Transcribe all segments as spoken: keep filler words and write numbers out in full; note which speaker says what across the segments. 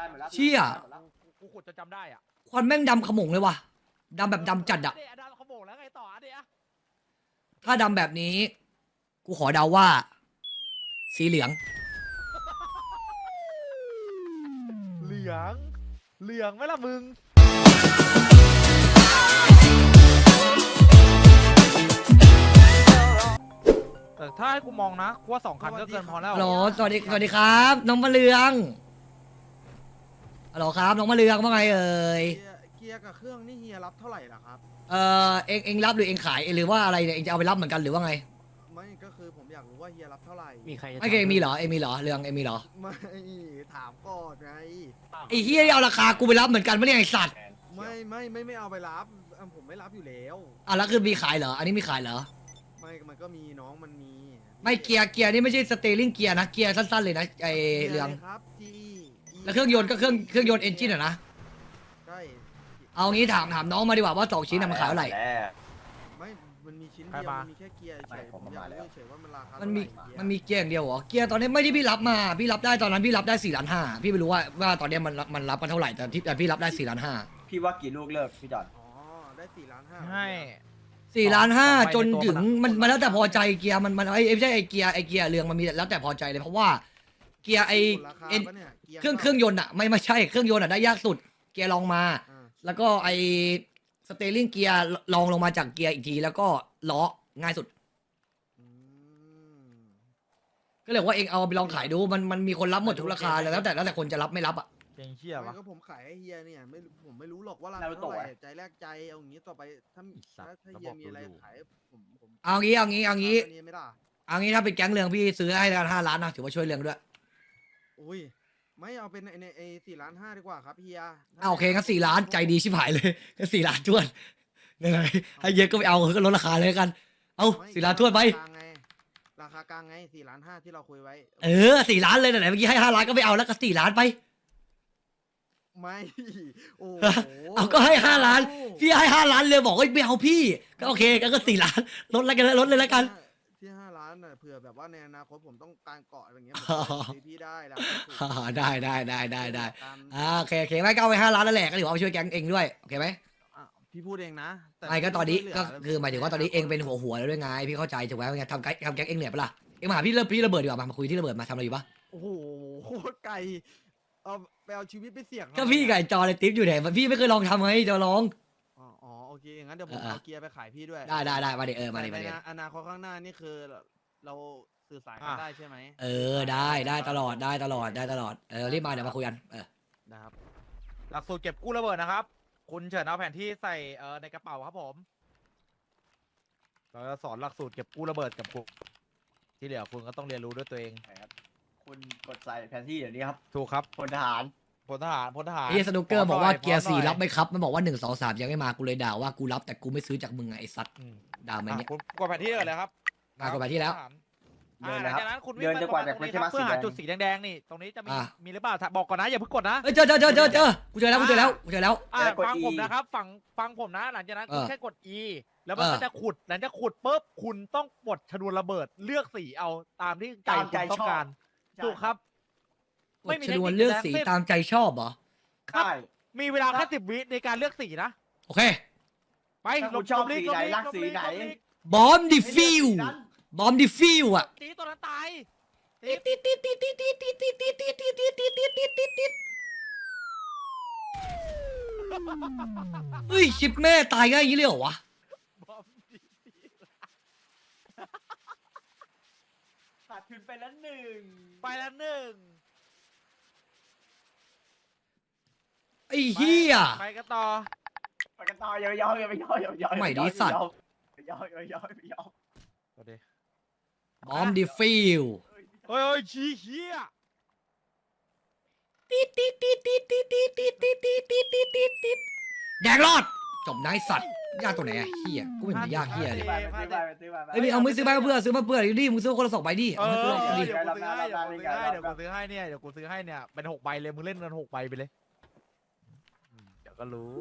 Speaker 1: หมดแล้ว
Speaker 2: เชี่ย
Speaker 3: กูขุดจนจำได้อ่ะ
Speaker 2: ควันแม่งดำขโมงเลยว่ะดำแบบดำจัดอะ
Speaker 3: เดี๋ยวดำขโมงแล้วไงต่ออ่ะเดี๋ยว
Speaker 2: ถ้าดำแบบนี้ กูขอเดาว่า สีเหลือง
Speaker 3: เหลืองเหลืองไหมล่ะมึงแต่ถ้าให้กูมองนะกูว่าสองคันก็เกินพอแล้ว
Speaker 2: ฮัลโหลสวัสดีสวัสดีครับ น้องมะเรืองฮัลโหลครับน้องมะเรืองว่าไงเอ่ย
Speaker 4: เกียร์เกียร์กับเครื่องนี่เฮียรับเท่าไหร่ล่ะครับ
Speaker 2: เออเองเองรับหรือเองขายหรือว่าอะไรเนี่ยเองจะเอาไปรับเหมือนกันหรือว่าไง
Speaker 4: ไม่ก็คือผมอยากรู้ว่าเฮียรับเท่าไหร่
Speaker 5: มีใครจะ
Speaker 2: ไม่เคยมีเหรอเองมีเหรอเรืองเองมีเหรอ
Speaker 4: ไม่ถามก่อนไง
Speaker 2: ไอ้เฮียที่เอาราคากูไปรับเหมือนกันไม่ได้ไอ้สัตว์
Speaker 4: ไม่ไม่ไม่ไม่เอาไปรับอ่ะผมไม่รับอยู่แล้ว
Speaker 2: อ่ะแล้วคือมีขายเหรออันนี้มีขายเหรอ
Speaker 4: ไม่มันก็มีน้องมันมี
Speaker 2: ไม่เกียร์เกียร์นี่ไม่ใช่สเตลลิงเกียร์นะเกียร์สั้นๆเลยนะไอเรือง
Speaker 4: กียะไครับที
Speaker 2: แล้วเครื่องยนต์ก็เครื่องเครื่องยนต์เอนจินอะนะ
Speaker 4: ใช่
Speaker 2: เอางี้ถามถามน้องมาดีกว่าว่าสองชิ้นน่ะมันขายเท่าไหร่
Speaker 4: ไม่มันมีชิ้นเดียวมันมีแค่เกียร์เฉยผมอยากรู้เฉยว่ามันราคา
Speaker 2: มั
Speaker 4: เท่าน ไห
Speaker 2: มี
Speaker 4: ร่เกียร์
Speaker 2: มันมีเกียร์อย่างเดียวเหรอเกียร์ตอนนี้ไม่ที่พี่รับมาพี่รับได้ตอนนั้นพี่รับได้สี่ล้านห้าพี่ไม่รู้ว่าว่าตอนนี้มันมันรับกันเท่าไหร่แต่ที่แต่พี่รับได้สี่ล้านห้า
Speaker 1: พี่ว่ากี่ลูกเลิกพี่จอด
Speaker 4: อ๋อได้สี่ล้านห้า
Speaker 3: ให้
Speaker 2: สี่ล้านห้า
Speaker 3: สองใบ
Speaker 2: จน
Speaker 3: ในตัว
Speaker 2: ถึง
Speaker 3: มั
Speaker 2: มัน
Speaker 3: นอะ
Speaker 2: มันแล้วแต่พอใจเกียร์มันมันไอ้ไม่ใช่ไอ้เกียร์ไอ้เกียร์เรืองมันมีแล้วแต่พอใจเลยเพราะว่าเกียร์ไอ้
Speaker 4: ราคา
Speaker 2: เอ็น
Speaker 4: ปะเนี่ยกีย
Speaker 2: เครื่องเครื่องยนต์อะไม่ไม่ใช่เครื่องยนต์อะได้ยากสุดเกียร์ลองมา
Speaker 4: อ่า
Speaker 2: แล้วก็ไอ้สเตลลิงเกียร์ลองลงมาจากเกียร์อีกทีแล้วก็ล้อง่ายสุด
Speaker 4: อืม
Speaker 2: ก็เลยว่าเองเอาไปลองขายดูมันมันมีคนรับหมดทุกราคาเลยแล้วแต่แล้วแต่คนจะรับไม่รับอ่ะ
Speaker 3: เก่งเชี่ย
Speaker 4: ไม่
Speaker 3: วะ
Speaker 4: ก็ผมขายให้เฮียเนี่ยไม่ผมไม่รู้หรอกว่าราคาเท่าไหร่ใจแรกใจเอาอย่างนี้ต่อไปถ้า
Speaker 3: อีสัตว์
Speaker 4: ถ้าเฮียมีอะไรขายผมผม
Speaker 2: เอางี้เอางี้เอางี้
Speaker 4: นนี้ไม่ได้
Speaker 2: เอางี้ถ้าเป็นแก๊งเรืองพี่ซื้อให้กันห้าล้านนะถือว่าช่วยเรืองด้วย
Speaker 4: อุ้ยไม่เอาเป็นในไอ้สี่ล้านห้าดีกว่าครับเฮีย
Speaker 2: เอาโอเคงั้นสี่ล้านใจดีชิบหายเลยงั้นสี่ล้านทวนยังไงให้เยอะก็ไม่เอาก็ลดราคาเลยกัน เอา
Speaker 4: ไม่
Speaker 2: สี่ล้านทวนไป
Speaker 4: ราคากลางไงราคากลางไงสี่ล้านห้าที่เราคุยไว้
Speaker 2: เออสี่ล้านเลยไหนเมื่อกี้ให้ห้าล้านก็ไม่เอาแล้วก็สี่ล้านไป
Speaker 4: ไม่โอ้โห
Speaker 2: เอาก็ให้ห้าล้านพี่ให้ห้าล้านเลยบอกว่าไม่เอาพี่ก็โอเคก็ก็สี่ล้านลดแล้วกันลดเลยแล้วกัน
Speaker 4: ที่ห้าล้านน่ะเผื่อแบบว่าในอนาคตผมต้องการเกาะอะไรเงี้ย
Speaker 2: อ๋อ
Speaker 4: ผมซื้อพี่ได้แล้ว
Speaker 2: อ่าได้ได้ได้ได้ได้
Speaker 4: ตาม
Speaker 2: อ่าโอเคโอเคไม่ก็เอาไปห้าล้านนั่นแหละก็ถือว่าเอาไปช่วยแก๊งเองด้วยโอเคไหม
Speaker 4: อ่ะพี่พูดเองนะแต่
Speaker 2: ไม่ก็ตอนนี้
Speaker 4: ช่วยเหลื
Speaker 2: ก็คือหมายถึงว่าตอนนี้เองเป็นหัวหัวแล้วด้วยไงพี่เข้าใจถูกไหมว่าไงทำแก๊งทำแก๊งเองเหนื่อยปะล่ะเองมาหาพี่เริ่มพี่ระเบิดดีกว่ามามาคุยที่ระเบิดมาทำอะไรอยู่ปะ
Speaker 4: โอ้โหโคตรไกลเอาไปเอาชีวิตไปเสี่ยง
Speaker 2: ก็พี่ไก่จอเลยติ๊บอยู่ไหนพี่ไม่เคยลองทำไงจะลอง
Speaker 4: อ๋ออ๋อโอเคงั้นเดี๋ยวผม
Speaker 2: เออ
Speaker 4: เอาเกียร์ไปขายพี่ด้วย
Speaker 2: ได้ได้ได้มาเดี๋ยวเออมา
Speaker 4: แต่
Speaker 2: เดี๋ยวมา
Speaker 4: ใน
Speaker 2: เดี๋ยว
Speaker 4: อนาคตข้างหน้านี่คือเราสื่อสารกันได้ใช่ไหม
Speaker 2: เออได้ได้ตลอดได้ตลอดได้ตลอดเออรีบมาเดี๋ยวมาคุยกันเออ
Speaker 4: นะครับ
Speaker 3: หลักสูตรเก็บกู้ระเบิดนะครับ คุณเฉินเอาแผนที่ใส่เอ่อในกระเป๋าครับผมเราจะสอนหลักสูตรเก็บกู้ระเบิดกับคุณที่เหลือคุณก็ต้องเรียนรู้ด้วยตัวเอง
Speaker 1: ครับคุณกดใส่แผนที่เดี๋ยวนี้ครับ
Speaker 3: ถูกครับ
Speaker 1: พลทหาร
Speaker 3: พลทหารพลทหาร
Speaker 2: ไอ้สนุกเกอร์บอกว่าเกียร์สี่
Speaker 3: พหน่อ
Speaker 2: รับไหมครับมันบอกว่าหนึ่งสองสามยังไม่มากูเลยด่าว่ากูรับแต่กูไม่ซื้อจากมึงไงไอ้สัตว์
Speaker 3: อืม
Speaker 2: ด่ามัน
Speaker 3: อ่ะ
Speaker 2: เนี่ย
Speaker 3: คุณกดแผนที่เลยเลยครับ
Speaker 2: อ่ะกดแผนที่แล้ว
Speaker 3: อ่า
Speaker 1: เดิน
Speaker 3: ห
Speaker 1: เลยครับ
Speaker 3: ลังจากนั้นคุณวิ่
Speaker 1: เดิ
Speaker 3: ง
Speaker 1: น
Speaker 3: มา
Speaker 1: จนกว่าจะไม่ใช่
Speaker 3: ตรง
Speaker 1: มา
Speaker 3: นี้ครับเพื่อหา
Speaker 1: สีแดง
Speaker 3: จุดสีแดงๆนี่ตรงนี้จะมี
Speaker 2: อ่ะ
Speaker 3: มีหรือเปล่าบอกก่อนนะอย่าเพิ่งกดนะ
Speaker 2: เอ้ยเจอเจอเจอเจอเจอกูเจอแล้วกูเจอแล้วกูเจอแล้ว
Speaker 3: อ่า
Speaker 1: แล้วกด
Speaker 3: ฟัง
Speaker 1: E
Speaker 3: ผมนะครับฟังฟังผมนะ หลังจากนั้นคุณ
Speaker 2: เออ
Speaker 3: แค่กด E แล้วมัน
Speaker 2: เออ
Speaker 3: ก็จะขุดหลังจากขุดปุ๊บคุณต้องปลดชนวนระเบิดเลือกสีเอาตามที่ใจ
Speaker 1: ตามใจ
Speaker 3: คุณต้อ
Speaker 1: ชอบ
Speaker 3: งการ
Speaker 1: ใช่
Speaker 3: ถูกครับ
Speaker 2: ก
Speaker 3: ไม่
Speaker 2: ด
Speaker 3: มี
Speaker 2: ชนวน
Speaker 3: เทคนิค
Speaker 2: เลือก
Speaker 3: ใดๆ
Speaker 2: สี
Speaker 3: ทั้งสิ้น
Speaker 2: ตามใจชอบเหรอ
Speaker 3: ครับ
Speaker 1: ใช่
Speaker 3: มีเวลาแค่สิบวิในการเลือกสีนะ
Speaker 2: โอเค
Speaker 3: ไป
Speaker 1: ถ้าคุณ
Speaker 3: ล
Speaker 1: ชอบ
Speaker 3: ล
Speaker 1: สีไหน
Speaker 3: ล
Speaker 1: รักสีไหน
Speaker 3: ลบลิก
Speaker 2: บอมดิฟิวบอมดิฟิวอ่ะ
Speaker 3: สีตัวนั้นตาย
Speaker 2: ติดติดติดติดติดติดติดติดติดติดติดติดติดติดติดติดติดเฮ้ยชิปแม่ตายง่ายอย่างนี้เลยเหรอวะ
Speaker 3: บอมดิ
Speaker 1: ขาดทุนไปแล้วหนึ่ง
Speaker 3: ไปแล้วหนึ่ง
Speaker 2: ไอ้เหี้ย
Speaker 3: ไปกันต่อ
Speaker 1: ไปกันต่ออย่าไปยอมอย่าไปยอมอย่าไปยอม
Speaker 2: ใหม่ดิสัตว์
Speaker 1: อย่ายอมอย่ายอมอย่ายอม
Speaker 3: สวัสดี
Speaker 2: บอมดิฟิว
Speaker 3: เฮ้ยเฮ้ยชี้เหี้ย
Speaker 2: ติดติดติดติดติดติดติดติดติดติดติดติดติดแดงรอดจบนายสัตว์ยากตัวไหนอะเหี้ยกูไม่เห็นมันยากเหี้ยเลย
Speaker 1: ซื้อไปซื้อไปซื้อไป
Speaker 2: เอ้ยเอามือซื้อมาเพื่อซื้อมาเพื่อดิมึงซื้อคนละสองใบดิ
Speaker 3: เอ
Speaker 2: เอา
Speaker 3: อ
Speaker 2: ให้กูลอง
Speaker 3: เดี๋ยว
Speaker 2: ดิ
Speaker 3: กูซื้อให้เดี๋ยวกูซื้อให้เดี๋ยวกูซื้อให้เนี่ยเดี๋ยวกูซื้อให้เนี่ยเป็นหกใบเลยมึงเล่นกันหกใบไปเลยอืมเดี๋ยวก็รู้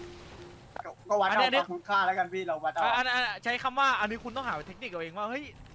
Speaker 1: ก็วัด
Speaker 3: อันนี้
Speaker 1: เอาคุณค่าแล้วกันพี่เราวัดเอา
Speaker 3: อ่ะอันอันใช้คำว่าอันนี้คุณต้องหาเทคนิคเอาเองว่าเฮ้ย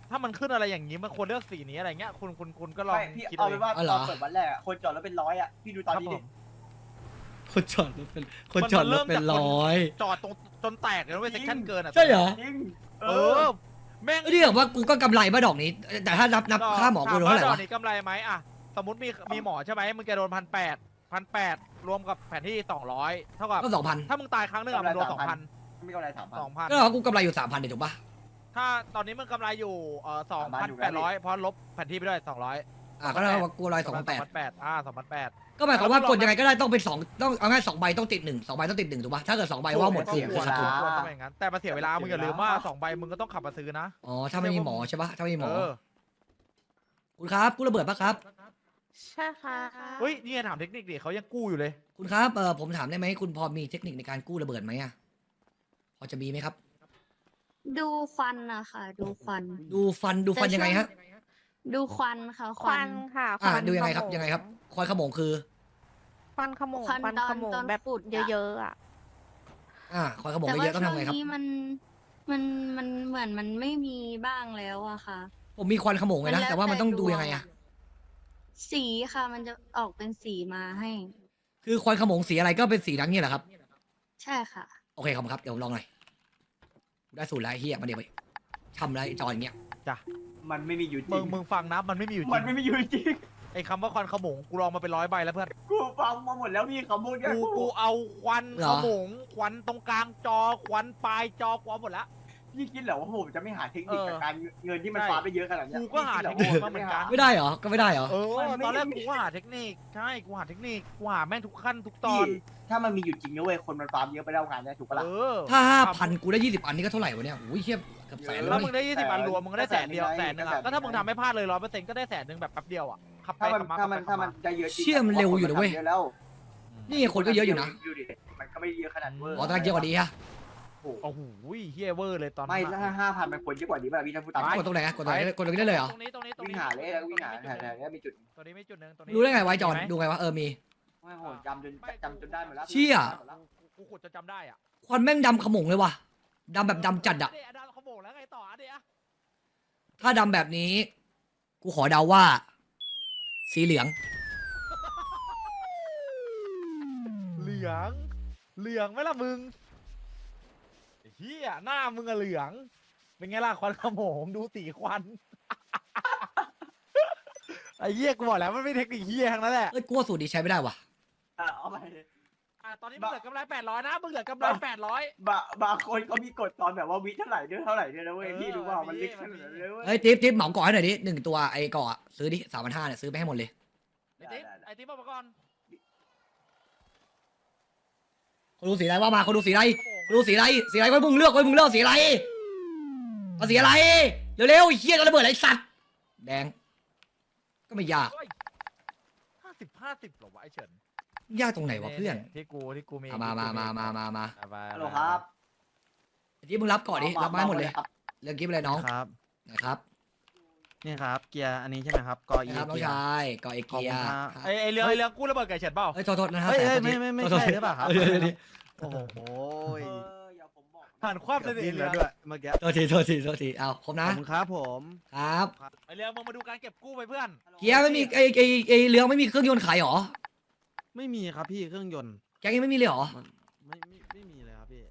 Speaker 3: ถ้ามันขึ้นอะไรอย่างนี้มันควรเลือกสีนี้อะไรเงี้ยคุณคุณคุณก็ลอง
Speaker 1: ไม่พี่
Speaker 3: คิด
Speaker 1: เอา
Speaker 3: เอาเอ
Speaker 1: เป็น
Speaker 3: ง
Speaker 1: ว่า
Speaker 2: อ๋อเหร
Speaker 1: ต
Speaker 2: อ
Speaker 1: อนเปิดวันแรกอะคนจอดรถเป็นร้อยอะพี่ดูตอนนี้
Speaker 3: ค
Speaker 1: ดิ
Speaker 3: รับผม
Speaker 2: คนจอดรถเป็นคนจอดรถเป็นร้อย
Speaker 3: จอดตรงจนแตกเลยนะเว้ยเซ็กชันเกินอ่ะ
Speaker 2: ใช่เหรอ
Speaker 1: จริง
Speaker 3: เออแม่ง
Speaker 2: เอ้ยนี่แบบว่ากูก็กำไรมาดอกนี้ แต่ถ้านับนับค่าหมอกูโดนเท่าไหร่
Speaker 3: ถม
Speaker 2: วะ
Speaker 3: ดอกนี้กำไรไหมอ่ะสมมติมีมีหมอใช่ไหมมึงจะโดนพันแปดพันแปดรวมกับแผนที่สองร้อยเท่ากับ
Speaker 2: ก็สองพัน
Speaker 3: ถ้ามึงตายครั้งหนึงอะมึงโดนสองพัน
Speaker 1: ไม่กำไรสามพัน
Speaker 3: สองพัน
Speaker 2: ก็เรากูกำไรอยู่สามพันเดี๋ยวถูกปะ
Speaker 3: ถ้าตอนนี้มึงกำไรอยู่เอ่อสอง
Speaker 1: สามพั
Speaker 3: พั
Speaker 1: น
Speaker 3: น
Speaker 1: อยู่
Speaker 3: แป
Speaker 1: แล้
Speaker 3: ด
Speaker 1: ว
Speaker 3: ร้อยเพราะลบแผนที่ไปด้วยสองร้อย
Speaker 2: อ่ะก็เท่ากับว่ากูกำไรสองพันแปด
Speaker 3: แปดอ่าสองพันแปด
Speaker 2: ก็หมายความว่ากดยังไงก็ได้ต้องเป็นสองต้องเอาง่ายสองใบต้องติดหนึ่งสองใบต้องติดหนึ่งถูกปะถ้าเกิดสองใบว่าหมดคือคือขาดทุน
Speaker 3: ควรต้องเป็นอย่างนั้นแต่มาเสียเวลามึงอย่าลืมว่าสองใบมึงก็ต้องขับมาซื้อนะ
Speaker 2: อ๋อถ้าไม่มีหมอใช่ปะถ้าไม่มีหม
Speaker 3: เอ
Speaker 2: อ
Speaker 3: อ
Speaker 2: คุณครับกู้ระเบิดปะครับ
Speaker 5: ใช่ค่ะ
Speaker 3: เฮ้ยนี่ไงถามเทคนิคดิเขายังกู้อยู่เลย
Speaker 2: คุณครับเออผมถามได้ไหมคุณพอมีเทคนิคในการกู้ระเบิดไหมอะพอจะมีไหมครับ
Speaker 5: ดูควันนะคะดูควัน
Speaker 2: ดูฟันดูฟันยังไงฮะ
Speaker 5: ดูควันค่ะ
Speaker 6: ควันค่ะ
Speaker 2: อ่า
Speaker 6: ควัน
Speaker 2: ดูยังไงครับ
Speaker 6: ขโม
Speaker 2: ยังไงครับคอยขโมงคือ
Speaker 6: ควันขโมง
Speaker 5: ควัน
Speaker 6: ควัน
Speaker 5: ตอ
Speaker 6: ข
Speaker 5: น
Speaker 6: โมง
Speaker 5: ตอน
Speaker 6: แบบ
Speaker 5: ขุด
Speaker 6: เยอะๆอ่ะ
Speaker 2: อ่าคอยขโมง
Speaker 5: แต่
Speaker 2: เย
Speaker 5: ว่า
Speaker 2: อะๆต้อง
Speaker 5: ช่ว
Speaker 2: ทำ
Speaker 5: ง
Speaker 2: ไงครับ
Speaker 5: นี้มันมันมันเหมือนมันไม่มีบ้างแล้วอะค่ะ
Speaker 2: ผมมีควันขโมงไงนะ
Speaker 5: มันแล้ว
Speaker 2: แต่ว่ามันต้อง
Speaker 5: แต่
Speaker 2: ดู
Speaker 5: ดวง
Speaker 2: ยังไงอะ
Speaker 5: สีค่ะ มันจะออกเป็นสีมาให้
Speaker 2: คือควันขโมงสีอะไรก็เป็นสีนั้นเนี่ยแหละครับ
Speaker 5: ใช่ค่ะ
Speaker 2: โอเคครับครับเดี๋ยวผมลองหน่อยได้สูตรแล้วไอ้เฮียมาเดี๋ยวไปทำแล้วไอ้จอยอย่างเงี้ย
Speaker 1: มันไม่มีอยู่จ
Speaker 3: มึ
Speaker 1: ริ
Speaker 3: ง
Speaker 1: ง
Speaker 3: มึงฟังนะมันไม่มีอยู่จ
Speaker 1: มั
Speaker 3: ริ
Speaker 1: น
Speaker 3: ง
Speaker 1: ไม่มีอยู่จริง
Speaker 3: ไอ้คำว่าควันขโมงกูลองมาเป็นร้อยใบแล้วเพื่อน
Speaker 1: กูฟังมาหมดแล้วพี่เขาพูดแค่
Speaker 3: กูกูเอาควันขโมงควันตรงกลางจอควันปลายจอกูเอาหมดแล้ว
Speaker 1: พี่คิดเหรอว่าผมจะไม่หาเทคนิค
Speaker 3: เออ
Speaker 1: กับการเงินที่มัน
Speaker 3: ใช่
Speaker 1: ฟ้าไปเยอะขนาดเนี้ย
Speaker 3: กูก็หา
Speaker 1: พี่คิด
Speaker 3: เทคนิคมาเหมือนกัน
Speaker 2: ไม่ได้เหรอก็ไม่ได้เหรอ
Speaker 3: เออ
Speaker 1: มันไม่
Speaker 3: ตอนแรกกูก็หาเทคนิคใช่กูหาเทคนิคกูหาแม่งทุกขั้นทุกตอ
Speaker 1: พี่
Speaker 3: น
Speaker 1: ถ้ามันมีอยู่จริงนะเว้ยคนมันฟาร์มเยอะไปแล้วงานเนี่ยถูกปะล่ะ
Speaker 3: เออ
Speaker 2: ถ้าห้าพันกูได้ยี่สิบอันนี้ก็เท่าไหร่วะเนี่ยโอ้ยเฮียเกือบแสนเล
Speaker 3: ถ้าย มึงได้ยี่สิบ
Speaker 1: แสน
Speaker 3: อันรวมมึงก็ได้แสนเดียว
Speaker 1: แส
Speaker 3: แส
Speaker 1: น
Speaker 3: น
Speaker 1: ห
Speaker 3: ห
Speaker 1: นึ่
Speaker 3: นึ
Speaker 1: ง
Speaker 3: งอะก็ถ้ามึงทำไม่พลาดเลยร้อยเปอร์เซ็นต์ก็ได้แสนหนึ่งแบบแป๊บเดียวอะขับไป
Speaker 1: ถ้ามัน
Speaker 3: ขับมา
Speaker 1: ถ้ามัน
Speaker 3: ขั
Speaker 1: ถ้า
Speaker 3: บ
Speaker 1: มัน
Speaker 3: มา
Speaker 1: ได้เยอะจริง
Speaker 2: เชี่ยมันเร็วอยู่นะเว้ย
Speaker 1: เยอะแล้ว
Speaker 2: นี่ไงคนก็เยอะอยู่นะ
Speaker 1: ดูดิมันก็ไม่เยอะขนาดเวอร์
Speaker 2: อ๋อตอนแรกเยอะกว่านี้ฮะ
Speaker 1: โอ้โห
Speaker 3: โอ้โหเฮียเวอร์เลยตอน
Speaker 1: ไม่
Speaker 3: นั้น
Speaker 1: ถ้า
Speaker 3: อะ
Speaker 1: ห้าพันมันควรเยอะกว่านี้ป่ะพี่ถ้าพูดตาม
Speaker 2: กดตรงไหนอะกดตรงไหนกดตรงนี้ได้เลยเหรอ
Speaker 3: ตรงนี้ตรงนี้ตรง
Speaker 1: วิ่ง
Speaker 3: นี้
Speaker 1: หาเลยแล้ววิ่งหาแถวๆนี้มีจุด
Speaker 3: ตัวนี้ไม่จุดหนึ่งตัวนี้
Speaker 2: รู้ได้ไงไวะจอน
Speaker 3: มีหม
Speaker 2: ดูไงวะเออมี
Speaker 1: ไม่โหจำจนจำจนได้หมดแล้ว
Speaker 2: เชี่ย
Speaker 3: กูกูขุดจะจำได้อ่ะ
Speaker 2: ควันแม่งดำขโมงเลยว่ะดำแบบดำจัดอะ
Speaker 3: เดี๋ยวดาวเขาโบกแล้วไงต่ออ่ะเดี๋ยว
Speaker 2: ถ้าดำแบบนี้ กูขอเดาว่า สีเหลือง
Speaker 3: เหลือง เหลืองไหมล่ะมึงไอ้เฮียหน้ามึงอะเหลือง เป็นไงล่ะควันขโมงดูสีควัน ไอ้เหี้ยกูบอกแล้วมันไม่เทคนิคเหี้ยทั้งนั้นแหละ
Speaker 2: เอ้ยกูว่าสูตรนี้ใช้ไม่ได้ว่ะ
Speaker 1: อ่ะเอาไปเลย
Speaker 3: อ่ะตอนนี้มึงเหลือกำไรแปดร้อยนะมึงเหลือกำไรแปดร้อย
Speaker 1: บางบางคนเขามีกฎตอนแบบว่าวิเท่าไหร่ด้วยเท่าไหร่ด้วยนะเว้ย
Speaker 3: เออ
Speaker 1: พี่รู้ว่ามัน
Speaker 3: มี
Speaker 1: ลึกขนาดนั้นเลยเว้ย
Speaker 2: เฮ้ยทิปทิปเหมาก่อให้หน่อยดิหนึ่งตัวไอ้ก่ออะซื้อดิสามพันห้าเนี่ยซื้อไปให้หมดเลย
Speaker 3: ไอ้ติ๊บไอ้ติ๊บบอกมาก่อน
Speaker 2: คนดูสีอะไรว่ามาคนดูสีอะไรคนดูสีอะไรสีอะไรไว้มึงเลือกไว้มึงเลือกสีอะไรเอาสีอะไรเร็วๆไอ้เหี้ยจะระเบิดอะไรสัตว์แดง ก็ไม่ยาก
Speaker 3: ห้าสิบห้าสิบหรอวะไอ้เฉิน
Speaker 2: ยากตรงไหนวะเพื่อน
Speaker 3: ที่กูที่กูมี
Speaker 2: เอามามามามามามา
Speaker 3: เอาไป
Speaker 1: ฮัลโหลครับ
Speaker 2: ไอ้ที่มึงรับก่อนดิรับไม้หมดเลย
Speaker 1: ครับ
Speaker 2: เรื่องกิ๊บอะไรน้อง
Speaker 4: ครับ
Speaker 2: นะครับ
Speaker 4: นี่ครับ เกียร์อันนี้ใช่ไหมครับกอเอ
Speaker 2: นะครับน้อง
Speaker 4: เกียร์
Speaker 2: ชายก่อเอ
Speaker 4: ขอบ
Speaker 2: เกีย
Speaker 4: คุณ
Speaker 2: ร์
Speaker 4: ครับ
Speaker 3: ไอ้ไอ้เรื่องไอ้เรื่องกู้ระเบิดไก่เฉินเปล่า
Speaker 2: เฮ้ยโทษโทษนะฮะ
Speaker 4: เฮ้ย
Speaker 2: แส
Speaker 4: เฮ้ย
Speaker 2: น
Speaker 4: ไม่ไม่ไม่
Speaker 2: โทษ
Speaker 4: ใช่
Speaker 2: โทษ
Speaker 4: หรือเปล่าครับ
Speaker 2: เดี๋ยวเดี๋ยวเดี๋ยว
Speaker 4: โอ้โห
Speaker 1: เอออย่าผมบอก
Speaker 3: ผ่านความ
Speaker 4: เกื
Speaker 3: เส
Speaker 4: อบ
Speaker 3: น่
Speaker 4: ดิ้น
Speaker 3: ห์
Speaker 4: แล้
Speaker 3: แล้ว ว
Speaker 4: ด้วยเมื่อกี้
Speaker 2: โทษทีโทษทีโทษทีเอาครบ
Speaker 4: ข
Speaker 2: นะ
Speaker 4: อบคุณครับผม
Speaker 2: ครับ
Speaker 3: ไอ้เรื่องมึงมาดูการเก็บกู้ไปเพื่อน
Speaker 2: เกียร์ไม่มีไอ้ไอ้ไอ้เรือไม่มีเครื่องยนต์ขายหรอ
Speaker 4: ไม่มีครับพี่เครื่องยนต์
Speaker 2: แกงยังไม่มีเลยหรอ
Speaker 4: มันไม่ไม่ไม่มีเลยครับพี่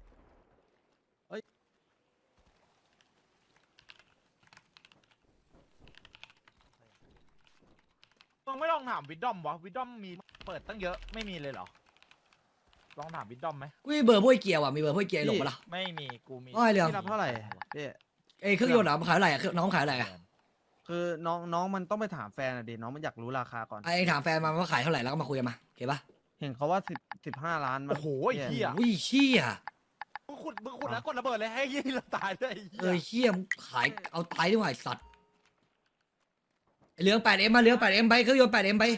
Speaker 3: มึงไม่ลองถามวิดดอมวะวิดดอมมีเปิดตั้งเยอะไม่มีเลยเหรอลองถามวิดดอมไหม
Speaker 2: กูมีเบอร์พวกไอ้เกียร์ว่ะมีเบอร์พวกไอ้เกียร์หลงปะล่ะ
Speaker 3: ไม่มีกูมี
Speaker 2: ว่าไอ้เรื่อง
Speaker 4: พี่รับเท่าไหร่พี่
Speaker 2: ไอ้เครื่องยนต์เหรอมันขายเท่าไหร่อะเครื่องน้องขายเท่าไหร่อะ
Speaker 4: คือน้องน้องมันต้องไปถามแฟนอะดิน้องมันอยากรู้ราคาก่อน
Speaker 2: ไอ้ถามแฟนมาว่าขายเท่าไหร่แล้วก็มาคุยกันมาโอเคปะ
Speaker 4: เห็นเขาว่าสิบสิบห้าล้านมัน
Speaker 3: โอ้โหไอ้เหี้ย
Speaker 2: อุ้ยเชี่ย
Speaker 3: มึงขุดมึงขุดแล้วกดระเบิดเลยให้ยี่เราตายด้วยไอ้เหี้ย
Speaker 2: เออเชี่ยมึงขายเอาตายดีกว่าไอ้สัตว์ไอ้เหลืองแปดเอ็มมาเหลืองแปดเอ็มไปเครื่องยนต์แปดเอ็มไป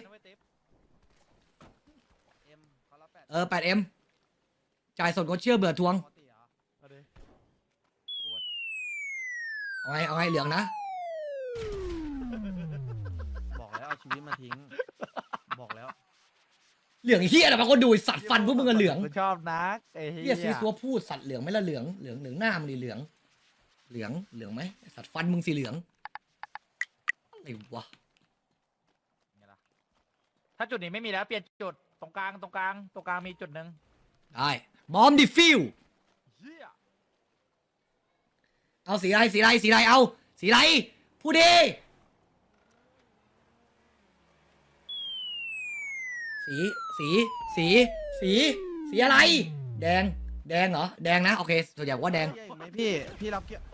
Speaker 4: เอ็มเขารับแปด
Speaker 2: เออแปดเอ็มจ่ายสดก็เชื่อเบื่อทวง
Speaker 4: ปกติเหรอ
Speaker 3: เอาดิ
Speaker 2: เอาไงเอาไงเหลืองนะ
Speaker 4: บอกแล้วเอาชีวิตมาทิ้ง บอกแล้ว
Speaker 2: เหลืองเฮียอะไรบางคนดูไอ้สัตว์ฟันพวกมึงอะเหลือง
Speaker 3: กูชอบนักไอ้
Speaker 2: เฮี
Speaker 3: เหี้
Speaker 2: ยซีซัวพูดสัตว์เหลืองไหม่ละเหลืองเหลืองเหลืองหน้ามึงดิเหลือง เหลืองเหลืองไหมไอ้สัตว์ฟันมึงสีเหลืองไอ้วะ
Speaker 3: ไงล่ะถ้าจุดนี้ไม่มีแล้วเปลี่ยนจุดตรงกลางตรงกลางตรงกลางมีจุดหนึ่ง
Speaker 2: ได้บอมดิฟิว
Speaker 3: เฮีย
Speaker 2: เอาสีอะไรสีอะไรสีอะไรเอาสีอะไรพูดดิสีสีสีสีสีอะไร แดงแดงเหรอแดงนะโอเคส่วนใหญ่ว่าแดง
Speaker 4: เกียร์อีกไหมพี่พี่รับเกียร์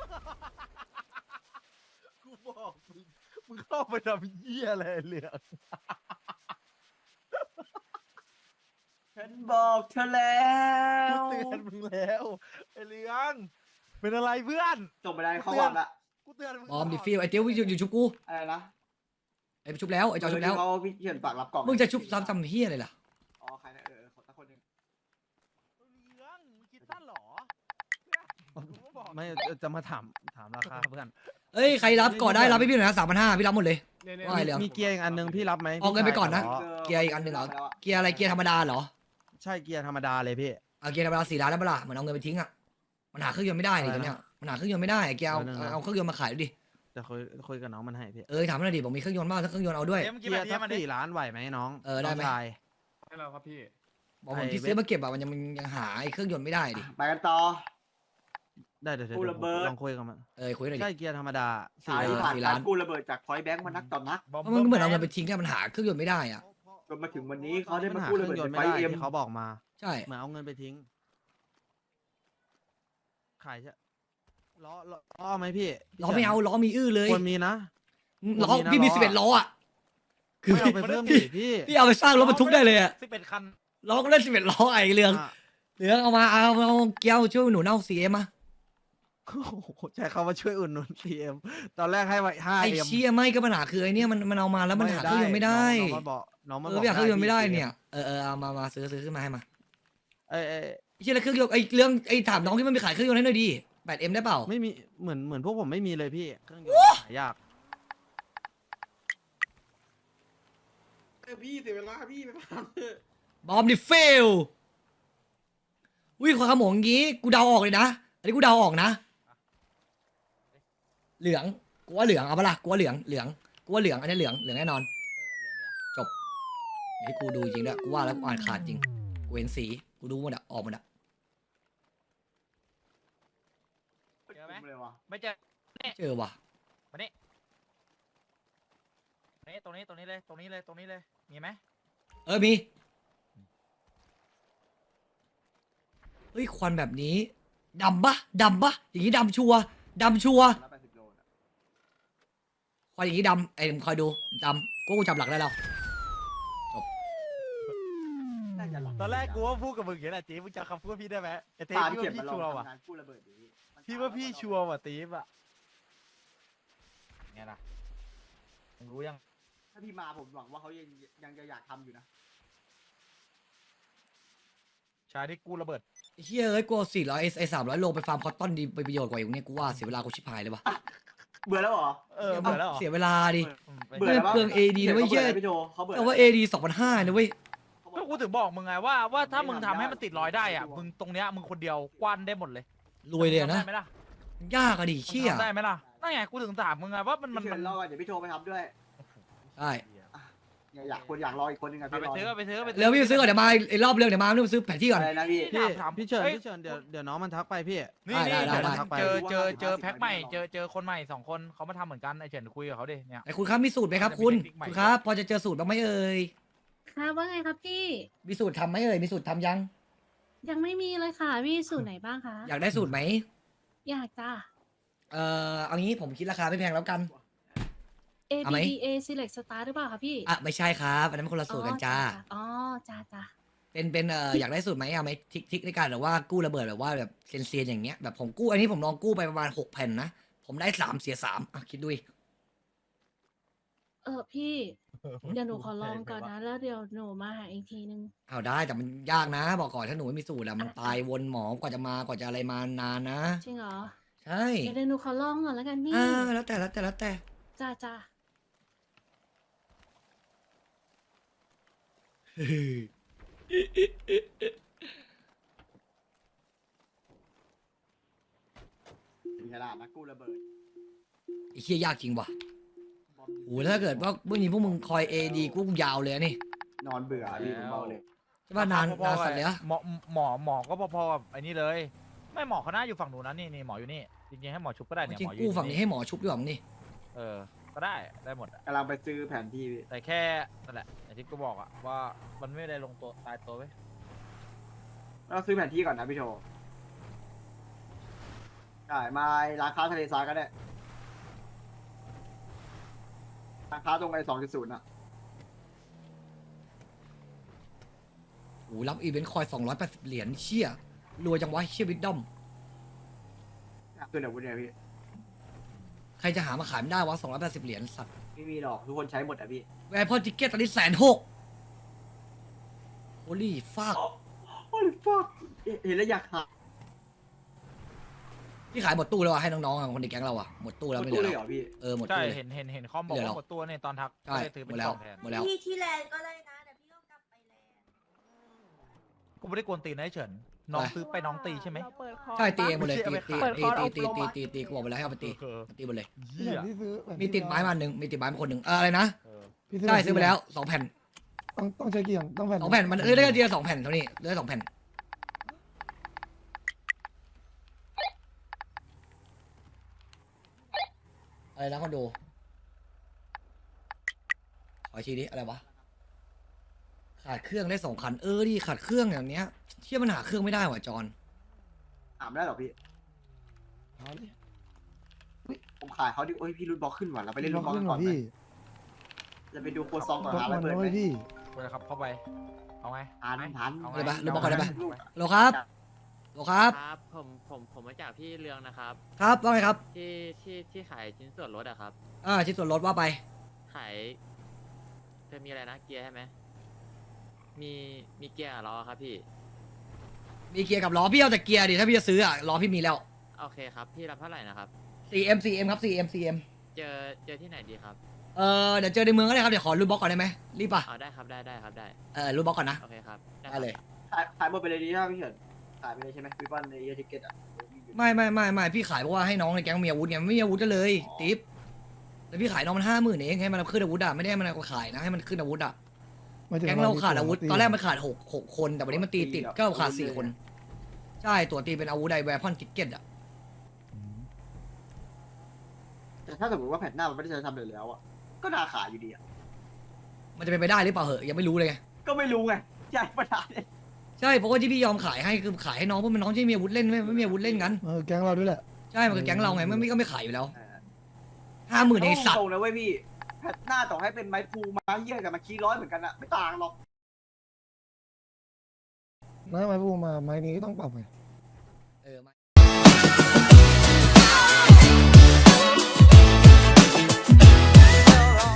Speaker 3: กูบอกมึงมึงเข้าไปทำเหี้ยอะไรเหลือง
Speaker 1: ฉันบอกเธอแล้ว
Speaker 3: กูเตือนมึงแล้วไอ้เหลืองเป็นอะไรเพื่อน
Speaker 1: ส่งไปได้เข้าวังละ
Speaker 3: กูเตือนมึง
Speaker 2: บอมดิฟิวไอ้เตี้ยวอยู่อยู่ชุบกู
Speaker 1: อะไรนะ
Speaker 2: ไอ้ชุบแล้วไอ้จอชุบแล้ว
Speaker 1: เขาพี่เขียนฝากรับกล่อง
Speaker 2: มึงจะชุบซ้ำจำเฮียอะไรล่ะ
Speaker 1: อ๋อใครนะเออขอสักคนหนึ่ง
Speaker 3: เหลืองมึงคิดสั้นเหรอกูก็บอก
Speaker 4: ไม่จะมาถามถามราคาเพื่อน
Speaker 2: เอ้ยใครรับก่อนได้รับให้พี่หน่อยนะสามพันห้าพี่รับหมดเลย ว่าไงเหลือง
Speaker 4: มีเกียร์อีกอันหนึงพี่รับไหม
Speaker 2: เอาเงินไปก่อนนะ
Speaker 4: พี่ชายข
Speaker 2: เกียร์อีกอันหนึ่งเหรอ เกียร์อะไรเกียร์ธรรมดาเหรอ
Speaker 4: ใช่เกียร์ธรรมดาเลยพี่
Speaker 2: เอาเกียร์ธรรมดาสี่ล้านแล้วเปะล่าเหมือนเอาเงินไปทิ้งอ่ะมันหาเครื่องยนต์ไม่ได้นี่
Speaker 4: อะไร
Speaker 2: ตัว
Speaker 4: นะ
Speaker 2: เนี้ยมันหาเครื่องยนต์ไม่ได้เกียร์เอา
Speaker 4: เออนั่นๆ
Speaker 2: เอาเครื่องยนต์มาขายดูดิ
Speaker 4: จะคุยคุยกับน้องมันให้พี่
Speaker 2: เออถามมันหน่อยดิบอกมีเครื่องยนต์บ้างถ้าเครื่องยนต์เอาด้วย
Speaker 3: เดี๋ยวมึงคิด
Speaker 4: เกี
Speaker 3: แบ
Speaker 4: ย
Speaker 3: บ
Speaker 4: ร์
Speaker 3: นี้
Speaker 4: สัก
Speaker 3: มันดิ
Speaker 4: สี่ล้านไหวไหมน้อง
Speaker 2: เออได้ไหม
Speaker 4: น้งชาย
Speaker 7: ให้เราครับพี่
Speaker 2: บอกผม
Speaker 4: ไอ้
Speaker 2: ที่
Speaker 4: เว็บ
Speaker 2: ซื้อมาเก็บอะมันยังมันยังหาไอ้เครื่องยนต์ไม่ได้ดิ
Speaker 1: ไปกันต่อ
Speaker 4: ได้เดี๋ยวเดี๋ยว
Speaker 1: กู
Speaker 4: เดี๋ยว
Speaker 1: ระเบิด
Speaker 4: ลองคุยกับมัน
Speaker 2: เออคุยหน่อยดิ
Speaker 4: ใช่เกียร์ธรรมดาสี่
Speaker 1: สาย
Speaker 2: เออ
Speaker 1: ผ่าน
Speaker 2: สี่
Speaker 1: กา
Speaker 2: ล้าน
Speaker 1: รกู้ระเบิดจากพอยต์แบงค์มานักต่อนัก
Speaker 3: บอม
Speaker 2: เพราะมันเหมือนเอาเงินไปทิ้งเนี่ยมันหาเครื่องยนต์ไม่ได้อ่ะ
Speaker 1: จนมาถึงวันนี้เขาได้
Speaker 4: มั
Speaker 1: มาน
Speaker 4: หา
Speaker 1: กู้
Speaker 4: เค
Speaker 1: ระ
Speaker 4: รื่อ
Speaker 1: เบิด
Speaker 4: งยนต์
Speaker 1: จาก
Speaker 4: ไม่
Speaker 1: ไฟ
Speaker 4: ได้
Speaker 1: เอ็ม
Speaker 4: ที่เขาบอกมา
Speaker 2: ใช่
Speaker 4: เหมือนเอาเงินไปทิ้งขายใช่ล้อล้อล้อไหมพี่
Speaker 2: ล้อไม่เอาล้อมีอื้อเลย
Speaker 4: ควรมีนะ
Speaker 2: ล้อ
Speaker 4: มีนะ
Speaker 2: พี่มี
Speaker 4: ล้อ
Speaker 2: สิบเอ็ดล้ออ่ะคือ
Speaker 4: ไม่เอาไปเพิ่มดิพี่
Speaker 2: พี่เอาไปสร้างรถบรรทุกได้เลยอ่ะ
Speaker 3: สิบเอ็ดคัน
Speaker 2: ล้อก็เล่นสิบเอ็ดล้อไอ้เรือง
Speaker 4: อ่ะ
Speaker 2: เรืองเอามาเอาเอาเกียวช่วยหนูเน่าสีเอ็มมา
Speaker 4: โอ้โหใช้คำว่าช่วยอุดหนุน ซี เอ็ม ตอนแรกให้ไว้ห้า
Speaker 2: ไอ้
Speaker 4: เอ็ม
Speaker 2: เชี่ยไม่ก็ปัญหาคือไอ้เนี่ยมันมันเอามาแล้วมันหาเครื่องยนต์ไม่ได้
Speaker 4: น้องมันบอกน้องมัน
Speaker 2: เอบ อ
Speaker 4: อก
Speaker 2: ไม่อยากเครื่องยนต์ไม่ได้
Speaker 4: พี่
Speaker 2: เนี่ยเออเออเอามามาซื้อซื้อขึ้นมาให้มา
Speaker 4: เอ้ยเอ้ย
Speaker 2: ไอ้เชี่ยแล้วเครื่องยนต์ไอ้เรื่องไอ้ถามน้องที่มันไปขายเครื่องยนต์ให้หน่อยดิแปดเอ็มได้เปล่า
Speaker 4: ไม่มีเหมือนเหมือนพวกผมไม่มีเลยพี่เครื่องยนต์หายาก
Speaker 7: พี่เสียเวลาพี่ไปฟัง
Speaker 2: บอมดิเฟลวิ่งความขโมงอย่างงี้กูเดาออกเลยนะอันนี้กูเดาออกนะ เหลืองกูว่าเหลืองเอาปะล่ะกูว่าเหลืองเหลืองกูว่าเหลืองอันนี้เหลืองเหลืองแน่นอนจบเดี๋ยวให้กูดูจริงด้วยกูว่าแล้วกูอ่านขาดจริงกูเห็นสีกูดูหมดอะออกหมดอะ
Speaker 3: เจอไหม
Speaker 1: เลยวะ
Speaker 3: ไม่เจอ
Speaker 2: เจอว่ะ
Speaker 3: มานี่นี่ตรงนี้ตรงนี้เลยตรงนี้เลยตรงนี้เลยมีไหม
Speaker 2: เออมีเฮ้ยควันแบบนี้ดำปะดำปะอย่างนี้ดำชัวร์ดำชัวร์
Speaker 1: ร้อยแปดสิบโลนะ
Speaker 2: ควันอย่างนี้ดำไอ้มึงคอยดูดำกูกูจับหลักได้แล้ว
Speaker 1: น่าจะหลับ
Speaker 3: ตอนแรกกูว่าพูดกับมึงอย่างนี้แหละจีมึงจำคำพูดพี่ได้ไหมไอ้เต้
Speaker 1: ตาม
Speaker 3: พี่
Speaker 1: เขีย
Speaker 3: ว่าน พี่
Speaker 1: มาลอง
Speaker 3: ชัวร์ว่ะ
Speaker 1: ทำงานกู้ระเบิดดี
Speaker 3: พี่ว่าพี่ชัวร์ว่ะตีฟอ่ะไงล่ะมึงรู้ยัง
Speaker 1: ถ้าพี่มาผมหวังว่าเขายังยังจะอยากทำอยู่นะ
Speaker 3: ชายที่กู้ระเบิด
Speaker 2: ไอ้เฮ้ยเอ้ยกูเอาสี่ร้อยไอ้สามร้อยโลไปฟาร์มคอตตอนดีไปประโยชน์กว่าอยู่เนี่ยกูว่าเสียเวลากูชิบหายเลยวะ
Speaker 1: เบื่อแล้วเหรอ
Speaker 3: เออเบื่อแล้วเหรอ
Speaker 2: เสียเวลาดิ
Speaker 3: อืมไป
Speaker 1: เบื่อแล้ว
Speaker 2: เปลือง เอ ดี นะเว้ย
Speaker 1: เหี้
Speaker 2: เหี้ย
Speaker 1: พี่โจเขาเบื่อ
Speaker 2: แต่ว่าเอดีสองพันห้านะเว้ย
Speaker 3: ก็กูถึงบอกมึงไงว่าว่าถ้ามึงทำให้มันติดรอยได้อ่ะมึงตรงเนี้ยมึงคนเดียวกว้านได้หมดเลย
Speaker 2: รวยเลยอะนะ
Speaker 3: ทำได้ไหมล่ะ
Speaker 2: ยากอะดิเชี่ย
Speaker 3: ทำได้ไหมล่ะนั่นไงกูถึงถามมึงไงว่ามันมัน
Speaker 1: พี่
Speaker 3: มั
Speaker 1: เชิ
Speaker 3: น
Speaker 1: ญรอก่อนเดี๋ยวพี่โทรไปทำด้วย
Speaker 2: ใช่
Speaker 1: อยากอยากคนอยากรออีกคนนึงอะ
Speaker 3: เอา
Speaker 1: พี่
Speaker 3: ไป
Speaker 1: รอ
Speaker 3: ซื้อเอาไปซื้อเอาไป
Speaker 2: เร็วพี่ไปซื้อก่อนเดี๋ยวมาไอ้รอบเร็วเดี๋ยวมาเร็วไปซื้อแผนที่ก่อน
Speaker 1: อะไรนะพี่
Speaker 4: พี่
Speaker 3: ถาม
Speaker 4: พี่เชิญ
Speaker 3: เอ้ย
Speaker 4: พี่เชิญเดี๋ยวเดี๋ยวน้องมันทักไปพี่
Speaker 3: นี่
Speaker 2: ได้
Speaker 3: นี่
Speaker 2: ได้ได้
Speaker 4: ทักไป
Speaker 3: เจอเจอเจอเจอแพ็คใหม่เจอเจอคนใหม่สองคนเขามาทำเหมือนกันไอเฉินคุยกับเขาดิเนี่ย
Speaker 2: ไอ้คุณครับมีสูตรไหมครับคุณ
Speaker 3: จะมีเทคนิคใหม่
Speaker 2: คุณครับ พอจะเจอสูตรบ้างไหมเอ่ย
Speaker 8: ค่ะว่าไงครับพี่
Speaker 2: มีสูตรทำไหมเอ่ยมีสูตรทำยัง
Speaker 8: ยังไม่มีเลยค่ะพี่สูตรไหนบ้างคะ
Speaker 2: อยากได้สูตรไหม
Speaker 8: อยากจ้า
Speaker 2: เอ่อเอางี้ผมคิดราคาไม่แพงแล้วกัน
Speaker 8: A
Speaker 2: เอา
Speaker 8: B
Speaker 2: ไหม
Speaker 8: D A Select Star หรือเปล่าคะพี่
Speaker 2: อ่ะไม่ใช่ครับอันนั้นมันคนละสูตรกันจ้า
Speaker 8: อ๋อจ้าจ้า
Speaker 2: เป็นเป็นเอ่ออยากได้สูตรไหมเอาไหมทิกทิกในการหรือว่ากู้ระเบิดแบบว่าแบบเซียนๆอย่างเงี้ยแบบผมกู้อันนี้ผมลองกู้ไปประมาณหกแผ่นนะผมได้สามเสียสามอ่ะคิดดูดิ
Speaker 8: เออพี่ เดี๋ยวหนูขอลองก่อนนะ แล้วเดี๋ยวหนูมาหาอีกทีนึง
Speaker 2: เอาได้แต่มันยากนะ บอกก่อนถ้าหนูไม่มีสูตรอะมันตายวนหมอกว่าจะมากว่าจะอะไรมานานนะ
Speaker 8: จริงเหรอ
Speaker 2: ใช่
Speaker 8: เดี๋ยวหนูขอลองก่อนแล้วกันพี่
Speaker 2: อ่าแล้วแต่แล้วแต่แล้วแต่
Speaker 8: จ้าจ้า
Speaker 1: มีกระดาษนะกู้ระเบิด
Speaker 2: ไอ้เหี้ยยากจริงว่ะ
Speaker 1: บอม
Speaker 2: โอ้โหถ้าเกิดว่าเมื่อนี้พวกมึงคอยเอดีกูยาวเลยนี่
Speaker 1: นอนเบื่อพี่ผมบอกเลย
Speaker 2: ใช่ป่ะนาน
Speaker 3: พอๆ
Speaker 2: นานสัตว์เลยอะ
Speaker 3: หมอหมอหมอก็พอๆกับไอ้นี่เลย ไม่หมอเขาหน้าอยู่ฝั่งหนูนะนี่นี่หมออยู่นี่จริงๆให้หมอชุบก็ได้เนี่ย
Speaker 2: จริง
Speaker 3: หมออ
Speaker 2: กู
Speaker 3: ยู่
Speaker 2: ฝั่งนี้ให้หมอชุบดีกว่ามึงนี่
Speaker 3: เออก็ได้ได้หมดอะ
Speaker 1: กำลังไปซื้อแผนที่พี่
Speaker 3: แต่แค่นั่นแหละอย่างที่กูบอกอะว่ามันไม่ได้ลงตัวตายตัวไว้ย
Speaker 1: เราซื้อแผนที่ก่อนนะพี่โชว์ได้มาร้านค้าทะเลทรายก็ได้ร้านค้าตรงไอ้สองจุดศูนย์อะ
Speaker 2: โอ้โหรับอีเวนต์คอยสองร้อยแปดสิบเหรียญเชี่ยรวยจังวะเชี่ยวิดดอม
Speaker 1: คือเดี๋ยววุ้นเนี่ยพี่
Speaker 2: ใครจะหามาขายไม่ได้วะสองร้อยแปดสิบเหรียญสัตว์
Speaker 1: ไม่มีหรอกทุกคนใช้หมดอะพี่
Speaker 2: แวร์พอติเกตตอนนี้แสนหกโอลี่ฟาก
Speaker 1: โอ้ยฟักเห็นแล้วอยากหา
Speaker 2: พี่ขายหมดตู้แล้วอะให้น้องๆอะคนในแก๊งเราอะหมดตู้แล้วไม่เหลื
Speaker 1: ตู้
Speaker 2: อ
Speaker 1: เลย
Speaker 2: แล้
Speaker 1: เหร
Speaker 2: ว
Speaker 1: อพี่
Speaker 2: เออหมด
Speaker 3: ใช่
Speaker 2: ตู้เลย
Speaker 3: เห็นเห็นเห็นคอมบอก
Speaker 2: เหลือ
Speaker 3: ว่า
Speaker 2: หรอ
Speaker 3: หมดตัวเนี่ยตอนทัก
Speaker 2: ใช่
Speaker 3: ก็เลยถือ
Speaker 2: ห
Speaker 3: เป็
Speaker 2: ม
Speaker 3: น
Speaker 2: ดแล้
Speaker 3: ก
Speaker 2: ว
Speaker 3: ล่องแทน
Speaker 2: หมดแล้ว
Speaker 9: พี่ที่แลนด์ก็ได้นะเดี๋ยวพี่ก็กลับไปแลนด์
Speaker 3: กูไม่ได้กวนตีนนะไอ้เฉินน้องซื้อไปน้องตีใช่ไหม
Speaker 6: เราเปิดคอร์ส
Speaker 2: ใช่ตีเองหมดเลย
Speaker 3: ไม่
Speaker 2: ตี
Speaker 3: ใช่
Speaker 2: ตี
Speaker 3: เอาไป
Speaker 2: ตี
Speaker 3: ขาย
Speaker 2: ตีตีตีตีตีกูบอกไปแล้วให้เอาไปตี
Speaker 3: เออ
Speaker 2: ตีหมดเลย
Speaker 3: เหี้ย
Speaker 10: ที่ซื้อแบบ
Speaker 2: มีติดไม้มาหนึ่งมีติดไม้มาคนหนึ่งเอออะไรนะ
Speaker 3: เออ
Speaker 10: พี่
Speaker 2: ใช่ซื้อไปแล้วสองแผ่น
Speaker 10: ต้องต้องใช้กี่อย่างต้องแผ่น
Speaker 2: สองแผ่นมันเออได้แค่เดียวสองแผ่นเท่านี้เหลือสองแผ่นอะไรนะคอนโดขออีกทีดิอะไรวะขาดเครื่องได้สองคันเออดิขาดเครื่องอย่างเนี้ยเที่ยมันหาเครื่องไม่ได้ว่ะจอน
Speaker 1: ถามได้เหรอพี่
Speaker 10: เอาดิ
Speaker 1: ผมขายเขาดิโอ้ยพี่รุ่นบล็อกขึ้นว่ะเราไปเล่นรุ่นบล็อก
Speaker 10: ขึ้
Speaker 1: กัน
Speaker 10: น
Speaker 1: ก่
Speaker 10: ก่
Speaker 1: อ
Speaker 10: อน น
Speaker 1: ไหม
Speaker 10: พี่
Speaker 1: จะไปดูโคซองก่อน
Speaker 10: บล็อก
Speaker 1: หาอะไร
Speaker 10: มัน
Speaker 1: เปิด
Speaker 10: นะ
Speaker 1: ไหม
Speaker 10: เว้ยพี่
Speaker 3: กูจะขับเข้าไปเอาไง
Speaker 1: ทันทัน
Speaker 3: เอาไง
Speaker 2: เลยปะรุ่นบล็อกก่อนได้ปะ
Speaker 1: ลูก
Speaker 2: โหลครับโหลครับ
Speaker 11: ครับผมผมผมมาจากพี่เรืองนะครับ
Speaker 2: ครับว่าไงครับ
Speaker 11: ที่ที่ที่ขายชิ้นส่วนรถอะครับ
Speaker 2: อ่าชิ้นส่วนลดว่าไป
Speaker 11: ขายจะมีอะไรนะเกียร์ใช่ไหมมีมีเกียร์กับล้อครับพี่
Speaker 2: มีเกียร์กับล้อพี่เอาแต่เกียร์ดิถ้าพี่จะซื้ออ่ะล้อพี่มีแล้ว
Speaker 11: โอเคครับ พี่รับเท่าไหร่นะครับ
Speaker 2: ซี เอ็ม ซี เอ็ม ครับ ซี เอ็ม ซี เอ็ม
Speaker 11: เจอเจอที่ไหนดีครับ
Speaker 2: เออเดี๋ยวเจอในเมืองก็ได้ครับ เดี๋ยวขอรูทบล็อกก่อนได้ไหมรีบป่ะ
Speaker 11: เอาได้ครับได้ได้ครับได้
Speaker 2: เออรูทบล็อกก่อนนะ
Speaker 11: โอเคครับค
Speaker 2: ได้
Speaker 11: รับ
Speaker 2: เลย
Speaker 1: ขายขายหมดไปเลยดีถ้าพี่เฉินขายไปเลยใช่ไหมพี่บอลในเอทิเกตอ่ะ
Speaker 2: ไม่ไม่ไม่ไม่พี่ขายเพราะว่าให้น้องในแก๊งมีอาวุธไงมันไม่มีอาวุธกันเลยติ๊บแล้วพี่ขายน้องมันห้าหมื่นเองให้มันขึ้นอาวุธอ่ะไม่ได้ให้มันเอาขายนะให้มันขึ้นอาวุธอ่ะ
Speaker 10: หมยถึ
Speaker 2: แก๊งเราขาดอาวุธ
Speaker 10: ตี
Speaker 2: ตอนแรกมันขาดหกหกคนแต่วันนี้มันตีติดก็ขาดสี่คนใช่ตัวตีเป็นอาวุธไดแวร์พอนติเก็ตอ่ะ
Speaker 10: อืม
Speaker 1: แต่ถ้าสมมติว่าแผ่นหน้ามันไม่ได้ใช้ทำเลยแล้วอ่ะก็น่าขายอยู่ดีอ่ะ
Speaker 2: มันจะเป็นไปได้หรือเปล่าเหอะยังไม่รู้เลยไง
Speaker 1: ก็ไม่รู้ไงใช่ปัญหาเนี่ย
Speaker 2: ใช่เพราะว่าที่พี่ยอมขายให้คือขายให้น้องเพราะมันน้องที่มีอาวุธเล่นไม่ไม่มีอาวุธเล่นกัน
Speaker 10: เออแก๊งเราด้วยแหละ
Speaker 2: ใช่มันคือแก๊งเราไงไม่ไม่ก็ไม่ขายอยู่แล้ว
Speaker 1: เออ
Speaker 2: ห้าหมื่นในสัต
Speaker 1: ตร
Speaker 2: ว์
Speaker 1: งนะเว้ยพี่แผ่นหน้าต่อให้เป็นไม้พูไม้เหี้ยกับมาคีร้อยเหมือนกันอ่ะไม่ต่างหรอก
Speaker 10: นะไม้พูมาไม้นี้ก็ต้องปรับไง